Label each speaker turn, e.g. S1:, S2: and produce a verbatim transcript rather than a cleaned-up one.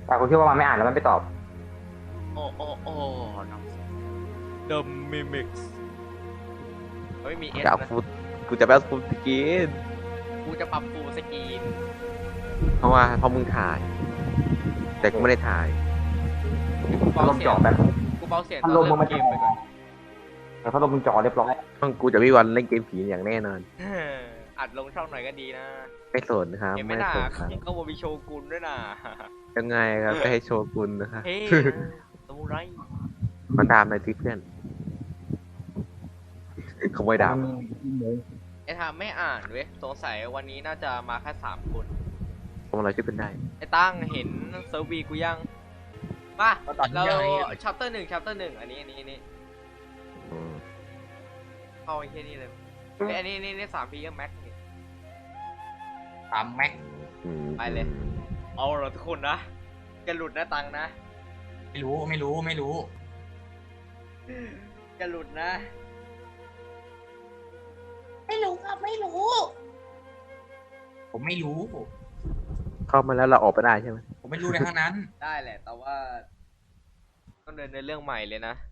S1: แต่คุณคิดว่ามันไม่อ่านแล้วมันไม่ตอบ
S2: โอ้โอ้โอ้น้อง The Mimics ไม่มีเอส
S3: จะเอา
S2: นะ
S3: ฟูดกูจะไปเอาฟูดสกิน
S2: กูจะปรับฟูลสกรีน
S3: เพราะว่าเพราะมึงถ่าย แต่กูไม่ได้ถ่าย
S2: กู
S1: พัด
S2: เบา
S1: ลม
S2: เสีย
S1: จ่อง แป๊บ
S2: กูเบาเสียงต
S1: พั
S2: อ
S1: ด
S2: น
S1: ลม
S2: เริ่
S1: มึง
S2: ม
S1: มา
S2: เกมไปก่อน
S1: แต่พัดลมมึงจ่อเรียบร้อย
S3: ช่องกูจะไม่วันเล่นเกมผีอย่างแน่นอน
S2: อัดลงช่องหน่อยก็ดีนะ
S3: ไม่สนนะครับ
S2: เห็นไหม
S3: ไม่
S2: น่ะ
S3: สนครับ
S2: เขาบอกมีโชกุนด้วยน่ะ
S3: ยังไงครับไปให้โชว์กุนนะครับ
S2: เฮ้ยสมุไร
S3: มันดามในที่เพื่อนขโมยดาม
S2: ไอ้ทามไม่อ่านเว้ยสงสัยวันนี้น่าจะมาแค่สามคน
S3: ขโมยอะไรช่วยเป็นได้
S2: ไอ้ตั้งเห็นเซิร์ฟวีกูยังมา
S4: ก็ตอนนี้
S2: เรา
S4: ยังไง
S2: ชัปเตอร์หนึ่งชัปเตอร์หนึ่งอันนี้อันนี้อันนี้
S3: อืม
S2: เข้าไอ้แค่นี้เลยเอ้ยอันนี้นี่นี่สามพีก็แม็กนี่
S4: ตามแม็ก
S3: อืม
S2: ไปเลย เอาเหรอทุกคนนะจะหลุดนะตังนะ
S4: ไม่รู้ไม่รู้ไม่รู้
S2: จะหลุดนะ
S5: ไม่รู้ครับไม่รู้
S4: ผมไม่รู้
S3: เข้ามาแล้วเราออกไปได้ใช่ไหม
S4: ผมไม่รู้ในทั้งนั้น
S2: ได้แหละ แต่ว่าต้องเดินในเรื่องใหม่เลยนะ